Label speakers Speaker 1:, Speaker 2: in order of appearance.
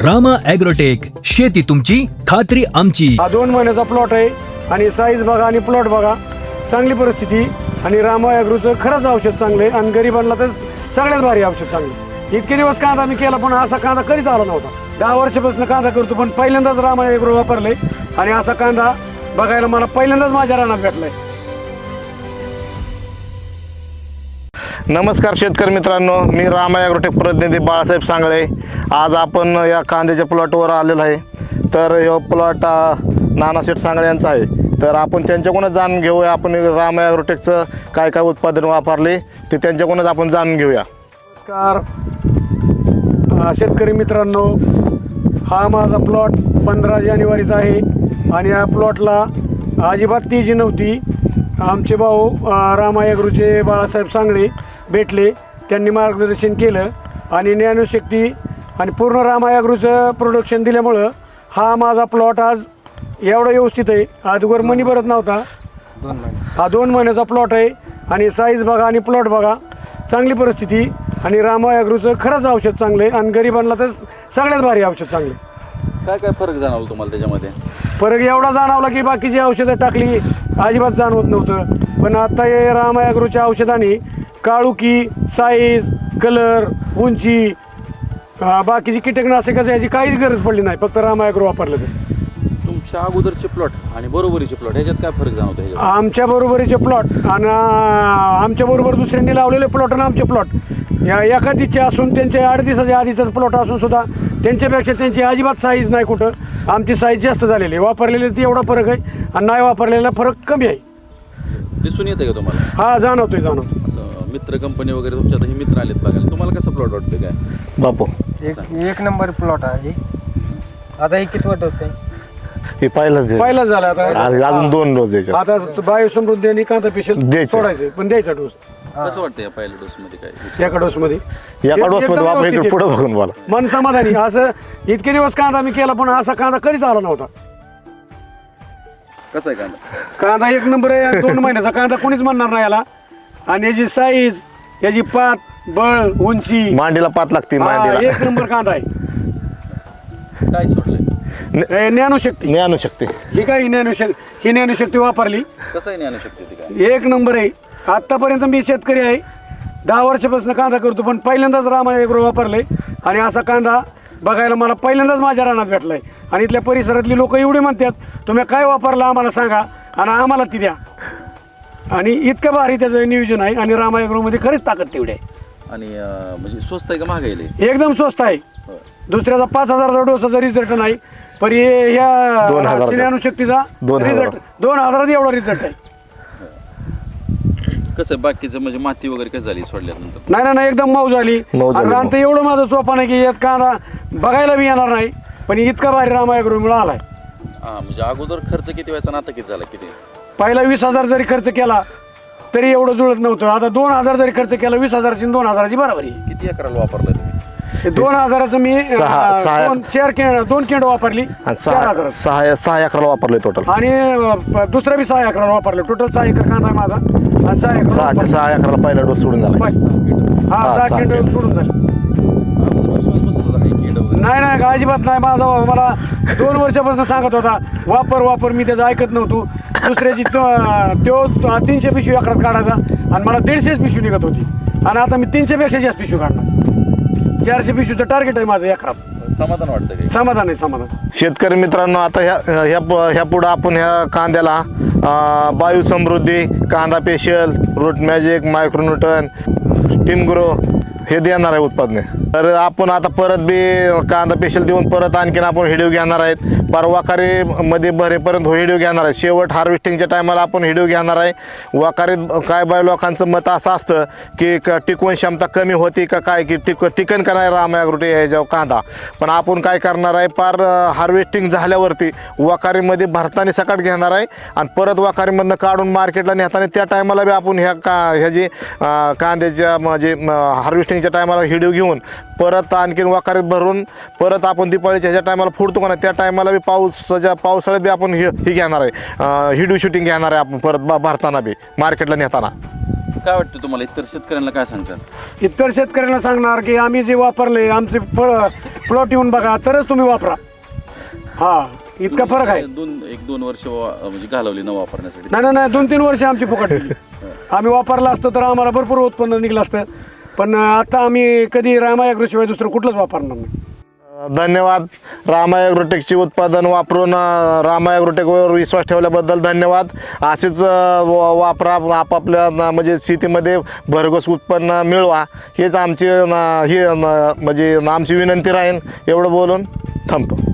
Speaker 1: Rama agrotech, शेती तुमची खात्री आमची.
Speaker 2: हा 2 महिन्याचा प्लॉट आहे आणि साईज बघा आणि प्लॉट बघा, चांगली परिस्थिती. आणि रामा ॲग्रोचं खरंच औषध चांगलं आहे आणि गरिबांना तर सगळ्यात भारी औषध चांगलं. इतके दिवस कांदा मी केला पण असा कांदा कधीच आला नव्हता. 10 वर्षापासून कांदा करतो पण पहिल्यांदाच रामा ॲग्रो वापरले आणि असा कांदा बघायला मला पहिल्यांदाच माझ्या रानात भेटलाय.
Speaker 3: नमस्कार शेतकरी मित्रांनो, मी रामा ॲग्रोटेक प्रतिनिधी बाळासाहेब सांगळे. आज आपण या कांद्याच्या प्लॉटवर आलेलो आहे. तर हा प्लॉट नानाशेठ सांगळे यांचा आहे. तर आपण त्यांच्याकडूनच जाणून घेऊया, आपण रामा ॲग्रोटेकचं काय काय उत्पादन वापरले ते त्यांच्याकडूनच आपण जाणून घेऊया.
Speaker 2: नमस्कार शेतकरी मित्रांनो, हा माझा प्लॉट 15 जानेवारीचा आहे आणि या प्लॉटला अजिबात तेजी नव्हती. आमचे भाऊ रामा ॲग्रोचे बाळासाहेब सांगळे भेटले, त्यांनी मार्गदर्शन केलं आणि ज्ञानशक्ती आणि पूर्ण रामा ॲग्रोचं प्रोडक्शन दिल्यामुळं हा माझा प्लॉट आज एवढा व्यवस्थित आहे. अगोदर मनी भरत नव्हता. हा 2 महिन्याचा प्लॉट आहे आणि साईज बघा आणि प्लॉट बघा, चांगली परिस्थिती. आणि रामा ॲग्रोचं खरंच औषध चांगलं आहे आणि गरिबांना तर सगळ्यात भारी औषध चांगले.
Speaker 4: काय काय फरक जाणवला तुम्हाला त्याच्यामध्ये?
Speaker 2: फरक एवढा जाणवला की बाकीची औषधं टाकली अजिबात जाणवत नव्हतं, पण आता हे रामा ॲग्रोच्या औषधाने काळुकी, साईज, कलर, उंची, बाकीची कीटकनाशकाची याची काहीच गरज पडली नाही, फक्त रामा ॲग्रो वापरलं तर.
Speaker 4: तुमच्या अगोदरचे प्लॉट आणि बरोबरीचे प्लॉट ह्याच्यात काय फरक जाणवतो? ह्याच्यात
Speaker 2: आमच्या बरोबरीचे प्लॉट आणि आमच्या बरोबर दुसऱ्यांनी लावलेले प्लॉट आणि आमचे प्लॉट या एका दिवशी असून त्यांचे 8 दिवसाच्या आधीचाच प्लॉट असून सुद्धा त्यांच्यापेक्षा त्यांची अजिबात साईज नाही. कुठं आमची साईज जास्त झालेली आहे. वापरलेले ती एवढा फरक आहे आणि नाही वापरलेला फरक कमी आहे.
Speaker 4: दिसून येते का तुम्हाला?
Speaker 2: हा जाणवतोय.
Speaker 4: असं मित्र कंपनी वगैरे तुमच्या आता हे मित्र आलेत बघायला, तुम्हाला कसं प्लॉट वाटतं काय?
Speaker 3: बापू
Speaker 5: एक नंबर प्लॉट आहे. आता हे कितवा डोस आहे?
Speaker 3: हे
Speaker 2: पहिला झाला आता.
Speaker 3: अजून 2 डोस द्यायचे.
Speaker 2: आता बायोसमृद्धी आणि कांदा पेशल
Speaker 3: द्यायचं.
Speaker 2: सोडायचं पण द्यायचा डोस
Speaker 4: कसं वाटतं या पहिल्या डोस मध्ये काय?
Speaker 2: एका डोसमध्ये
Speaker 3: एका डोसमध्ये वापर इकडे पुढे बघून बोला.
Speaker 2: मन समाधानी. असं इतके दिवस कांदा मी केला पण असा कांदा कधीच आला नव्हता.
Speaker 4: कसं आहे कांदा?
Speaker 2: कांदा 1 नंबर आहे. 2 महिन्याचा कांदा कोणीच म्हणणार नाही याला. आणि याची साईज, याची पात, बळ, उंची,
Speaker 3: मांडीला पात लागते.
Speaker 2: हा,
Speaker 3: मांडीला
Speaker 2: 1 नंबर कांदा आहे.
Speaker 4: काय सोडलंय?
Speaker 2: ज्ञानशक्ती
Speaker 3: ज्ञानशक्ती
Speaker 2: ही काय ही ज्ञानशक्ती वापरली.
Speaker 4: कसं आहे ज्ञानशक्ती ती काय?
Speaker 2: 1 नंबर आहे. आत्तापर्यंत मी शेतकरी आहे, 10 वर्षापासून कांदा करतो पण पहिल्यांदाच रामा ॲग्रो वापरले आणि असा कांदा बघायला मला पहिल्यांदाच माझ्या रानात भेटलाय. आणि इथल्या परिसरातली लोक एवढे म्हणतात तुम्ही काय वापरलं आम्हाला सांगा आणि आम्हाला ती द्या. आणि इतकं भारी त्याचं नियोजन आहे आणि रामा ॲग्रोमध्ये खरीच ताकद तेवढी आहे.
Speaker 4: आणि म्हणजे स्वस्त आहे का महाग आहे?
Speaker 2: एकदम स्वस्त आहे. दुसऱ्याचा 5,000चा डोसाचा रिझल्ट नाही, पण ह्या
Speaker 3: 2,000
Speaker 2: ज्ञानशक्तीचा
Speaker 3: 2,000
Speaker 2: रिझल्ट 2,000 एवढा रिझल्ट आहे.
Speaker 4: कसं बाकीचं म्हणजे माती वगैरे कसं झाली सोडल्यानंतर?
Speaker 2: नाही एकदम मऊ झाली. रान तर एवढं माझं चोपा नाही की यात कांदा बघायला बी येणार नाही, पण इतका भारी रामा ॲग्रोमुळे आलाय.
Speaker 4: हां, म्हणजे अगोदर खर्च किती व्हायचा आणि आता किती झाला? किती?
Speaker 2: पहिला 20,000 जरी खर्च केला तरी एवढं जुळत नव्हतं. आता 2,000 जरी खर्च केला 20,000ची 2,000ची बरोबरी.
Speaker 4: किती एकराला वापरलाय तुम्ही?
Speaker 2: 2,000चं मी 2 केंड वापरली. 4,000
Speaker 3: 6 एकराला वापरले टोटल.
Speaker 2: आणि दुसरा बी 6 एकराला वापरलं. टोटल 6 एकर कांदा आहे माझा आणि 6 एकर
Speaker 3: 6 एकराला पहिला डोस सोडून झाला.
Speaker 2: हा 6 केंड सोडून झाले. नाही अजिबात नाही. माझा मला 2 वर्षापासून सांगत होता वापर. मी त्याचं ऐकत नव्हतो. दुसऱ्याची तो 300 पिशवी एकरात काढायचा आणि मला 150 पिशवी निघत होती आणि आता मी 300पेक्षा जास्त पिशवी काढणार. 400 पिशवीचं टार्गेट आहे माझं एकरात.
Speaker 4: समाधान वाटतं काही?
Speaker 2: समाधान आहे समाधान.
Speaker 3: शेतकरी मित्रांनो, आता ह्या पुढं आपण ह्या कांद्याला बायोसमृद्धी, कांदा पेशल, रूट मॅजिक, मायक्रोन्यूटन, टिमग्रो हे देणार आहे उत्पादने. तर आपण आता परत बी कांदा पेशल देऊन परत आणखीन आपण व्हिडिओ घेणार आहेत. वाकारीमध्ये भरेपर्यंत व्हिडिओ घेणार आहे. शेवट हार्वेस्टिंगच्या टायमाला आपण व्हिडिओ घेणार आहे. वाकारीत काय बाय लोकांचं मत असं असतं की टिकवण क्षमता कमी होती का काय, की टिकन का नाही रामा ॲग्रोटेक ह्याच्यावर कांदा. पण आपण काय करणार आहे, पार हार्वेस्टिंग झाल्यावरती वाकारीमध्ये भरताना सकाट घेणार आहे आणि परत वाकारीमधनं काढून मार्केटला नेताना त्या टायमाला बी आपण ह्याची कांद्याच्या म्हणजे हार्वेस्टिंगच्या टायमाला व्हिडिओ घेऊन परत आणखीन वाकारीत भरून परत आपण दिवाळीच्या ह्याच्या टायमाला फोडतो का नाही त्या टायमाला बी पावसाळ्यात बी आपण ही घेणार आहे. व्हिडिओ शूटिंग घेणार आहे आपण परत भरताना बी मार्केटला नेताना.
Speaker 4: काय वाटतं तुम्हाला? इतर शेतकऱ्यांना काय सांगतात?
Speaker 2: इतर शेतकऱ्यांना सांगणार की आम्ही जे वापरले आमचे फळ प्लॉट येऊन बघा तरच तुम्ही वापरा. हा इतका फरक आहे.
Speaker 4: एक दोन वर्ष म्हणजे घालवली न वापरण्यासाठी.
Speaker 2: नाही 2-3 वर्ष आमची फुकट गेली. आम्ही वापरलं असतं तर आम्हाला भरपूर उत्पन्न निघलं असतं, पण आता आम्ही कधी रामा ॲग्रोशिवाय दुसरं कुठलंच वापरणार नाही.
Speaker 3: धन्यवाद. रामा ॲग्रोटेकचे उत्पादन वापरून रामा ॲग्रोटेकवर विश्वास ठेवल्याबद्दल धन्यवाद. असेच वापरा, आपापल्या म्हणजे शेतीमध्ये भरघोस उत्पन्न मिळवा, हेच आमची म्हणजे आमची विनंती राहील. एवढं बोलून थांबतो.